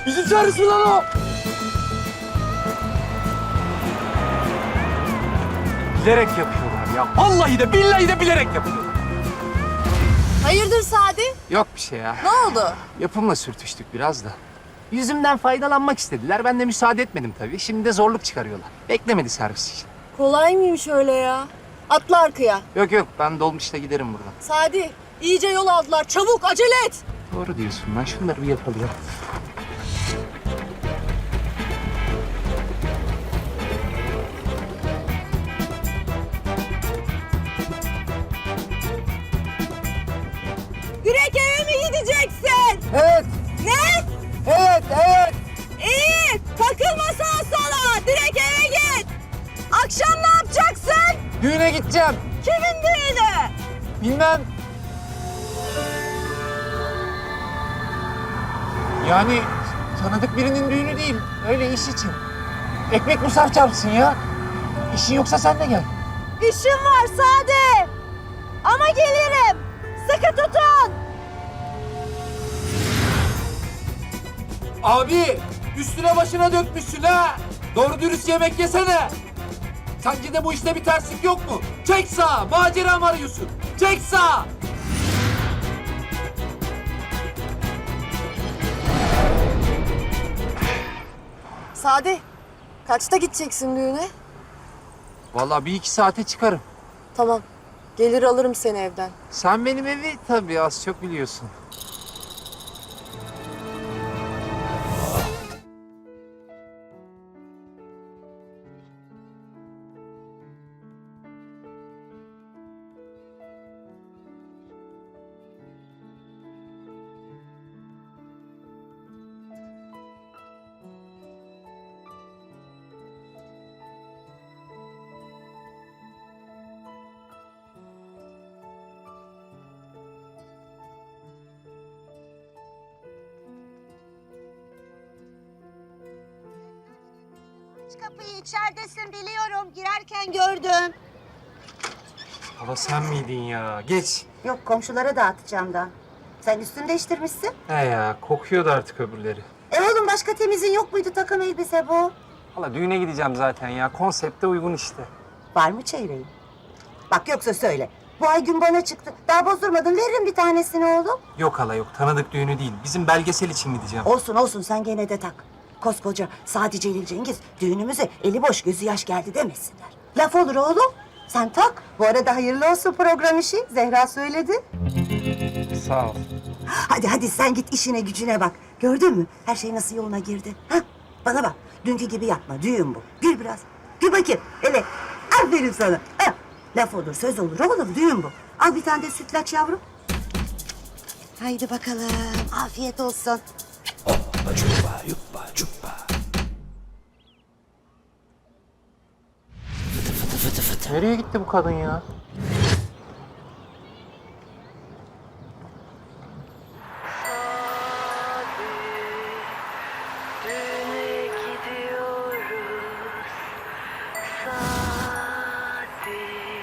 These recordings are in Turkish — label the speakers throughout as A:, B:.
A: Bizi çağırsın lan o. Bilerek yapıyorlar ya. Vallahi de billahi de bilerek yapıyorlar.
B: Hayırdır Sadi?
A: Yok bir şey ya.
B: Ne oldu?
A: Yapımla sürtüştük biraz da. Yüzümden faydalanmak istediler. Ben de müsaade etmedim tabii. Şimdi de zorluk çıkarıyorlar. Beklemedi servis için.
B: Kolay mıymış öyle ya? Atla arkaya.
A: Yok yok ben dolmuşla giderim buradan.
B: Sadi, iyice yol aldılar. Çabuk acele et.
A: Doğru diyorsun. Ben şunları bir yapalım ya.
B: Direkt eve mi gideceksin?
A: Evet,
B: Ne?
A: evet.
B: İyi. Takılma sağa sola. Direkt eve git. Akşam ne yapacaksın?
A: Düğüne gideceğim.
B: Kimin düğünü?
A: Bilmem. Yani tanıdık birinin düğünü değil. Öyle iş için. Ekmek musaf çarpsın ya. İşin yoksa sen de gel.
B: İşim var Sadi. Ama gelirim. Sıkı tutun.
A: Abi üstüne başına dökmüşsün ha. Doğru dürüst yemek yesene. Sence de bu işte bir terslik yok mu? Çek sağa. Macera mı arıyorsun? Çek sağa.
B: Sadi, kaçta gideceksin düğüne?
A: Vallahi bir iki saate çıkarım.
B: Tamam. Gelir alırım seni evden.
A: Sen benim evi tabii az çok biliyorsun.
C: Aç kapıyı, içeridesin biliyorum. Girerken gördüm.
A: Hala sen miydin ya? Geç.
C: Yok, komşulara dağıtacağım da. Sen üstünü değiştirmişsin.
A: He ya kokuyordu artık öbürleri.
C: Oğlum başka temizin yok muydu, takım elbise bu?
A: Hala düğüne gideceğim zaten ya. Konsepte uygun işte.
C: Var mı çeyreğin? Bak yoksa söyle. Bu ay gün bana çıktı. Daha bozdurmadın, veririm bir tanesini oğlum.
A: Yok hala yok. Tanıdık düğünü değil. Bizim belgesel için gideceğim.
C: Olsun sen gene de tak. Koskoca Sadi Celil Cengiz düğünümüze eli boş gözü yaş geldi demesinler. Laf olur oğlum. Sen tak. Bu arada hayırlı olsun program işi. Zehra söyledi.
A: Sağ ol.
C: Hadi sen git işine gücüne bak. Gördün mü? Her şey nasıl yoluna girdi. Ha? Bana bak. Dünkü gibi yapma. Düğün bu. Gül biraz. Gül bakayım. Hele. Aferin sana. Ha? Laf olur, söz olur oğlum. Düğün bu. Al bir tane de sütlaç yavrum. Haydi bakalım. Afiyet olsun.
A: Nereye gitti bu kadın ya?
D: Düğüne gidiyoruz. Sadi,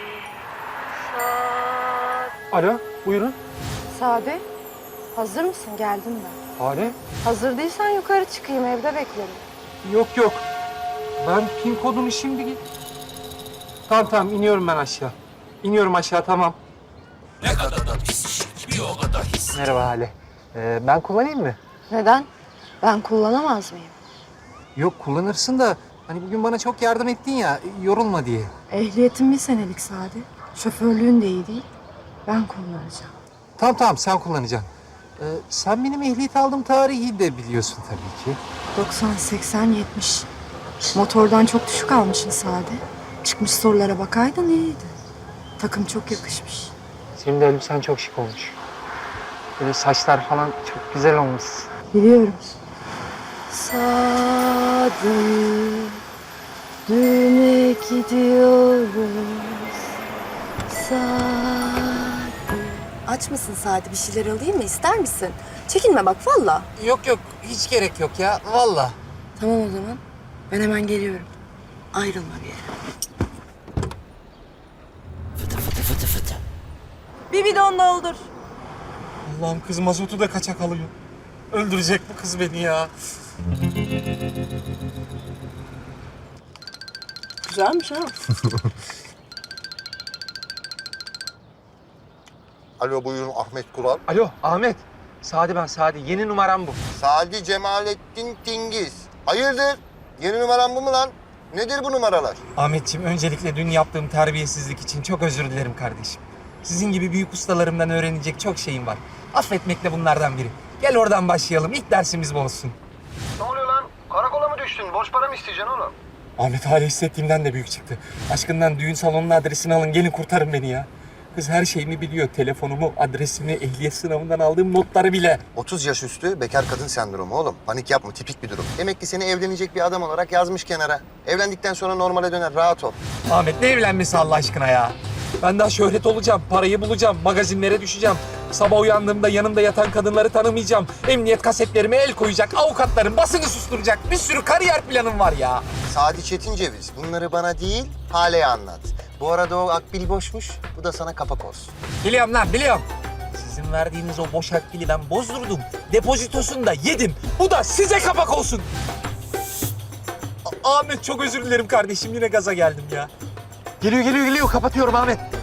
D: Sadi.
A: Alo, buyurun.
E: Sade, hazır mısın? Geldim ben.
A: Hale?
E: Hazır değilsen yukarı çıkayım, evde beklerim.
A: Yok. Ben pin kodunu şimdi git. Tamam iniyorum ben aşağı. İniyorum aşağı tamam. Ne kadar da pis bir o kadar his. Merhaba Hale. Ben kullanayım mı?
E: Neden? Ben kullanamaz mıyım?
A: Yok kullanırsın da hani bugün bana çok yardım ettin ya yorulma diye.
E: Ehliyetim bir senelik Sade. Şoförlüğün de iyi değil. Ben kullanacağım.
A: Tamam sen kullanacaksın. Sen benim ehliyet aldığım tarihi de biliyorsun tabii ki.
E: 90, 80, 70. Motordan çok düşük almışsın Sade. Çıkmış sorulara bakaydın iyiydi. Takım çok yakışmış.
A: Senin de elbisen çok şık olmuş. Böyle saçlar falan çok güzel olmuş.
E: Biliyorum. Sade, düğüne gidiyoruz. Sade.
B: Aç mısın Sadi? Bir şeyler alayım mı? İster misin? Çekinme bak valla.
A: Yok hiç gerek yok ya vallahi.
B: Tamam o zaman. Ben hemen geliyorum. Ayrılma bir yere. Bir bidon doldur.
A: Allah'ım kız mazotu da kaçak alıyor. Öldürecek bu kız beni ya.
B: Güzelmiş ha.
F: Alo buyurun Ahmet Kural.
A: Alo Ahmet. Sadi ben Sadi. Yeni numaram bu.
F: Sadi Cemalettin Tingiz. Hayırdır? Yeni numaran bu mu lan? Nedir bu numaralar?
A: Ahmetciğim öncelikle dün yaptığım terbiyesizlik için çok özür dilerim kardeşim. Sizin gibi büyük ustalarımdan öğrenecek çok şeyim var. Affetmek de bunlardan biri. Gel oradan başlayalım. İlk dersimiz bu olsun.
F: Ne oluyor lan? Karakola mı düştün? Borç para mı isteyeceksin oğlum?
A: Ahmet hali hissettiğimden de büyük çıktı. Aşkından düğün salonunun adresini alın. Gelin kurtarın beni ya. Kız her şeyimi biliyor. Telefonumu, adresimi, ehliyet sınavından aldığım notları bile.
F: 30 yaş üstü bekar kadın sendromu oğlum. Panik yapma, tipik bir durum. Demek ki seni evlenecek bir adam olarak yazmış kenara. Evlendikten sonra normale döner, rahat ol.
A: Ahmet ne evlenmesi Allah aşkına ya? Ben daha şöhret olacağım, parayı bulacağım, magazinlere düşeceğim. Sabah uyandığımda yanımda yatan kadınları tanımayacağım. Emniyet kasetlerime el koyacak, avukatların basını susturacak. Bir sürü kariyer planım var ya.
F: Sadi Çetinceviz, bunları bana değil, Hale'ye anlat. Bu arada o akbil boşmuş, bu da sana kapak olsun.
A: Biliyorum lan, biliyorum. Sizin verdiğiniz o boş akbili ben bozdurdum. Depozitosunu da yedim. Bu da size kapak olsun. Ahmet çok özür dilerim kardeşim. Yine gaza geldim ya. Geliyor. Kapatıyorum Ahmet.